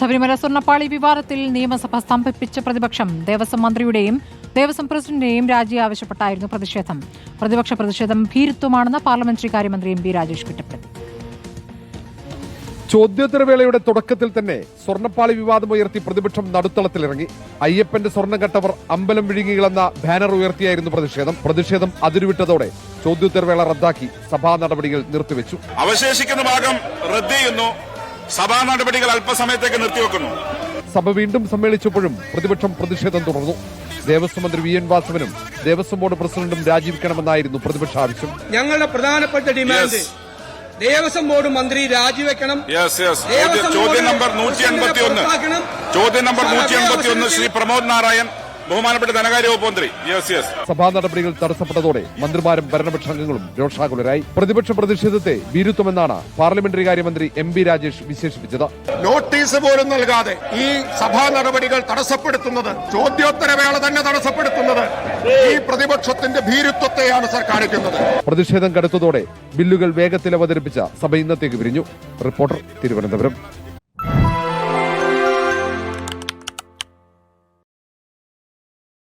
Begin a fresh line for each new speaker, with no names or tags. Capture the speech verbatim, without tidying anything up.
ശബരിമല സ്വർണ്ണപ്പാളി വിവാദത്തിൽ നിയമസഭ സ്തംഭിപ്പിച്ച പ്രതിപക്ഷം ദേവസ്വം മന്ത്രിയുടെയും ദേവസ്വം പ്രസിഡന്റിന്റെയും രാജി ആവശ്യപ്പെട്ടായിരുന്നു പ്രതിഷേധം. പ്രതിപക്ഷ പ്രതിഷേധം ഭീരുത്വമാണെന്ന് പാർലമെന്ററി കാര്യമന്ത്രി എം പി രാജേഷ് കുറ്റപ്പെടുത്തി.
ചോദ്യോത്തരവേളയുടെ തുടക്കത്തിൽ തന്നെ സ്വർണ്ണപ്പാളി വിവാദമുയർത്തി പ്രതിപക്ഷം നടുത്തളത്തിലിറങ്ങി. അയ്യപ്പന്റെ സ്വർണ്ണം കെട്ടവർ അമ്പലം വിഴുങ്ങികളെന്ന ബാനർ ഉയർത്തിയായിരുന്നു പ്രതിഷേധം. പ്രതിഷേധം അതിരുവിട്ടതോടെ ചോദ്യോത്തരവേള റദ്ദാക്കി സഭാ നടപടികൾ നിർത്തിവെച്ചു.
അവശേഷിക്കുന്ന ഭാഗം റദ്ദ് ചെയ്യുന്നു. സഭാ നടപടികൾ അല്പസമയത്തേക്ക് നിർത്തിവെക്കുന്നു.
സഭ വീണ്ടും സമ്മേളിച്ചപ്പോഴും പ്രതിപക്ഷം പ്രതിഷേധം തുടർന്നു. ദേവസ്വം മന്ത്രി വി എൻ വാസവനും ദേവസ്വം ബോർഡ് പ്രസിഡന്റും രാജിവെക്കണമെന്നായിരുന്നു പ്രതിപക്ഷ ആവശ്യം.
ഞങ്ങളുടെ പ്രധാനപ്പെട്ട ഡിമാൻഡ് ദേവസ്വം ബോർഡ് മന്ത്രി രാജിവെക്കണം.
ചോദ്യം നമ്പർ നൂറ്റി എൺപത്തി ഒന്ന് ചോദ്യം നമ്പർ നൂറ്റി എൺപത്തി ഒന്ന് ശ്രീ പ്രമോദ് നാരായൺ, ബഹുമാനപ്പെട്ട ധനകാര്യ വകുപ്പ് മന്ത്രി. യെസ് യെസ്
സഭാ നടപടികൾ തടസ്സപ്പെട്ടതോടെ മന്ത്രിമാരും ഭരണപക്ഷാംഗങ്ങളും രോഷാകുലരായി. പ്രതിപക്ഷ പ്രതിഷേധത്തെ ഭീരുത്വമെന്നാണ് പാർലമെന്ററി കാര്യമന്ത്രി എം പി രാജേഷ് വിശേഷിപ്പിച്ചത്.
നോട്ടീസ് പോലും നൽകാതെ ഈ സഭാ നടപടികൾ തടസ്സപ്പെടുത്തുന്നത്, ചോദ്യോത്തരവേള തന്നെ തടസ്സപ്പെടുത്തുന്നത് ഈ പ്രതിപക്ഷത്തിന്റെ ഭീരുത്വത്തെയാണ് സർ കാണിക്കുന്നത്.
പ്രതിഷേധം കടുത്തതോടെ ബില്ലുകൾ വേഗത്തിൽ അവതരിപ്പിച്ച സഭ ഇന്നത്തേക്ക് പിരിഞ്ഞു. റിപ്പോർട്ടർ, തിരുവനന്തപുരം.